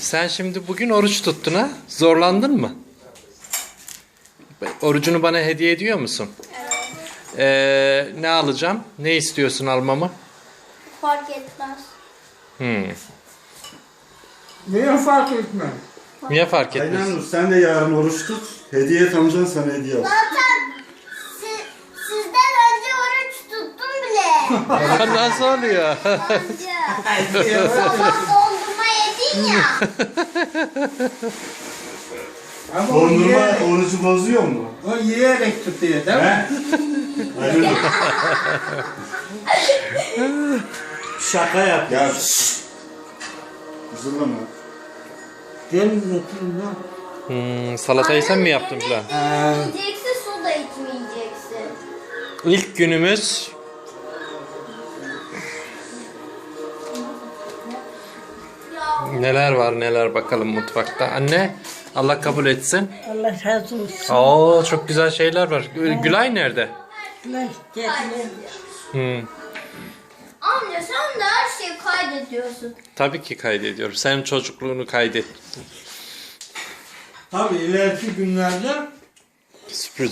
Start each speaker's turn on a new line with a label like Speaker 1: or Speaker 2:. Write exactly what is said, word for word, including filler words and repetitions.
Speaker 1: Sen şimdi bugün oruç tuttun ha? Zorlandın mı? Orucunu bana hediye ediyor musun?
Speaker 2: Evet.
Speaker 1: Ee, ne alacağım? Ne istiyorsun almamı?
Speaker 2: Fark etmez.
Speaker 1: Hmm.
Speaker 3: Niye fark etmez?
Speaker 1: Niye fark etmez?
Speaker 4: Aynen sen de yarın oruç tut. Hediye et amcan sana hediye al.
Speaker 2: Zaten si, sizden önce oruç tuttum bile.
Speaker 1: Nasıl oluyor?
Speaker 2: Amca. Sabah dondurma yedin ya.
Speaker 3: Ama o,
Speaker 4: Dondurma
Speaker 3: yiyerek,
Speaker 4: orucu bozuyor mu?
Speaker 3: o yiyerek tutuyor değil mi?
Speaker 4: He? Aynen.
Speaker 5: Şaka yap.
Speaker 4: Ya şşş. Üzülme.
Speaker 3: Deniz oturun lan.
Speaker 1: Hmm, salatayı sen mi yaptın
Speaker 2: Annem
Speaker 1: falan?
Speaker 2: ne yiyeceksin, su da içmeyeceksin.
Speaker 1: İlk günümüz
Speaker 2: Ya
Speaker 1: neler var neler bakalım mutfakta. Anne Allah kabul etsin.
Speaker 6: Allah razı olsun.
Speaker 1: Oo çok güzel şeyler var. Gülay nerede?
Speaker 6: Lan geldiler.
Speaker 1: Hmm,
Speaker 2: amca sen de her şeyi kaydediyorsun.
Speaker 1: tabii ki kaydediyorum. Sen çocukluğunu kaydet.
Speaker 3: Tabii ileriki günlerde
Speaker 1: Sürpriz